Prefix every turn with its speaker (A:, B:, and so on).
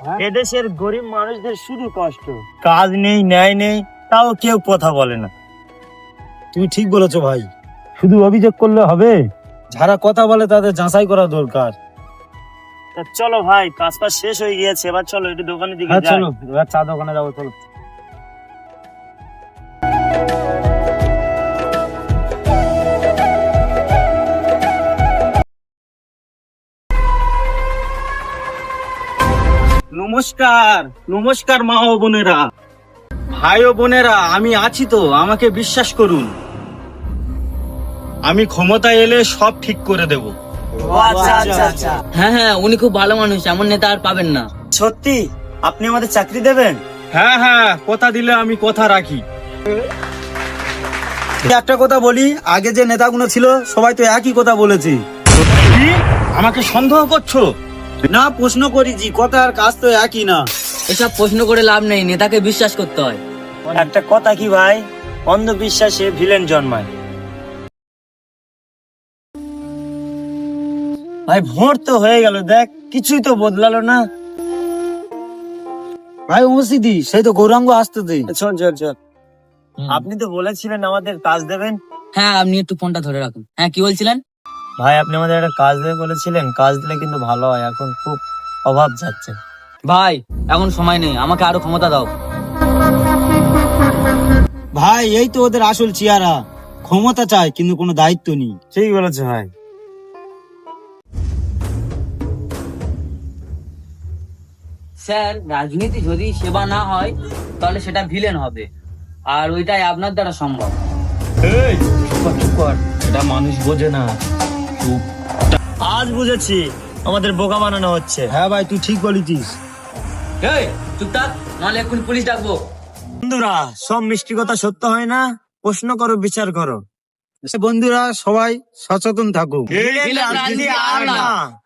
A: এদেশের গরিব মানুষদের শুধু কষ্ট, কাজ নেই, ন্যায় নেই, তাও কেউ কথা বলে না।
B: তুমি ঠিক বলেছো ভাই,
A: শুধু অভিযোগ করলে হবে?
B: যারা কথা বলে তাদের যাচাই করা দরকার।
A: তা চলো ভাই, কাজ পাস শেষ হয়ে গিয়েছে, এবার চলো একটু দোকানের দিকে
B: হ্যাঁ
A: যাই।
B: চলো, এবার চা দোকানে যাবো, চলো।
A: নমস্কার, নমস্কার মা ও বোনেরা, ভাই ও বোনেরা, আমি আছি তো, আমাকে বিশ্বাস করুন। আমি ক্ষমতায় এলে সব ঠিক করে দেব।
C: হ্যাঁ হ্যাঁ, উনি খুব ভালো মানুষ, এমন নেতা আর পাবেন না।
A: সত্যি আপনি আমাদের চাকরি দেবেন?
B: হ্যাঁ হ্যাঁ, কথা দিলে আমি কথা রাখি। একটা কথা বলি, আগে যে নেতাগুলো ছিল সবাই তো একই কথা বলেছে।
A: কি? আমাকে সন্দেহ করছো?
B: না, প্রশ্ন করেছি, কথা আর কাজ তো একই না।
C: এসব প্রশ্ন করে লাভ নেই, নেতাকে বিশ্বাস করতে হয়।
A: একটা কথা কি ভাই, অন্ধবিশ্বাসে ভিলেন জন্মায়। ভাই ভোট তো হয়ে গেল, দেখ কিছুই তো বদলালো না।
B: ভাই মসজিদি, সেই তো গৌরাঙ্গ আসতেছে।
A: চল চল চল। আপনি তো বলেছিলেন আমাদের কাজ দেবেন।
C: হ্যাঁ, আপনি একটু ফোনটা ধরে রাখুন। হ্যাঁ, কি বলছিলেন?
A: ভাই আপনি আমাদের একটা কাজ দেবে বলেছিলেন, কাজ দিলে কিন্তু ভালো হয়, এখন খুব অভাব যাচ্ছে।
C: ভাই এখন সময় নেই, আমাকে আরো ক্ষমতা দাও।
B: ভাই এই তো ওদের আসল চেহারা, ক্ষমতা চায় কিন্তু কোনো দায়িত্ব নেই।
A: ঠিক বলেছে ভাই।
C: স্যার, রাজনীতি যদি সেবা না হয় তাহলে সেটা ভিলেন হবে, আর ওইটাই আপনার দ্বারা সম্ভব।
A: এই চুপ কর, এটা মানুষ বোঝে না। চুপ। আজ বুঝেছি আমাদের বোকা বানানো হচ্ছে।
B: হ্যাঁ ভাই, তুই ঠিক বলেছিস।
C: এই চুপ থাক, নাহলে এখন পুলিশ ডাকবো।
A: বন্ধুরা, সব মিষ্টি কথা সত্য হয় না, প্রশ্ন করো, বিচার করো।
B: বন্ধুরা সবাই সচেতন থাকুক।
C: ভিলেন রাজনীতি আর না।